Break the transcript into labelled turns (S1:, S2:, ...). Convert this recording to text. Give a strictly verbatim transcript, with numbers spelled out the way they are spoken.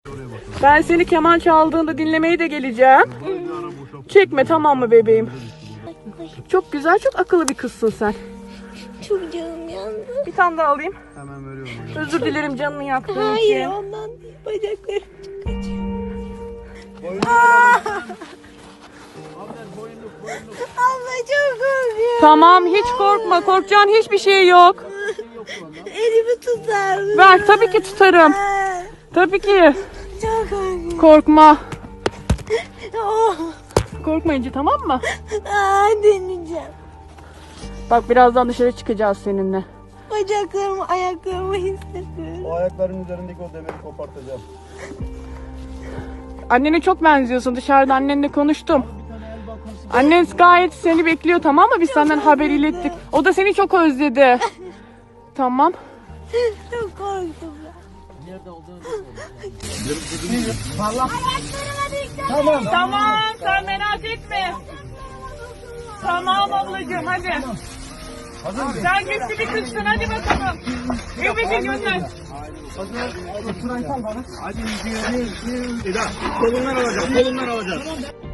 S1: Ben seni keman çaldığında dinlemeye de geleceğim. Çekme, tamam mı bebeğim? Çok güzel, çok akıllı bir kızsın sen.
S2: Çok canım yandı.
S1: Bir tane daha alayım.
S3: Hemen veriyorum.
S1: Özür dilerim canını yaktığım
S2: Hayır,
S1: için.
S2: ondan değil. Bacaklarım çok acıyor. Abla çok korkuyorum.
S1: Tamam, hiç korkma. Korkacağın hiçbir şey yok.
S2: Elimi tutar mısın?
S1: Ver, tabii ki tutarım. Tabii ki.
S2: Çok korkuyorum.
S1: Korkma.
S2: Oh.
S1: Korkmayınca, tamam mı?
S2: Aa, deneyeceğim.
S1: Bak, birazdan dışarı çıkacağız seninle.
S2: Bacaklarımı, ayaklarımı hissediyorum.
S3: O ayakların üzerindeki o demiri kopartacağım.
S1: Annene çok benziyorsun. Dışarıda annenle konuştum. Annen gayet seni bekliyor, tamam mı? Biz senden haber ilettik. O da seni çok özledi. Tamam.
S2: Çok korktum ben.
S1: Tamam. Tamam, sen merak etme. Tamam ablacığım, hadi. Sen güçlü bir kızsın, hadi bakalım. Bebeği gönder.
S3: Hadi. Hadi. Kolundan alacağım. Kolundan alacağım.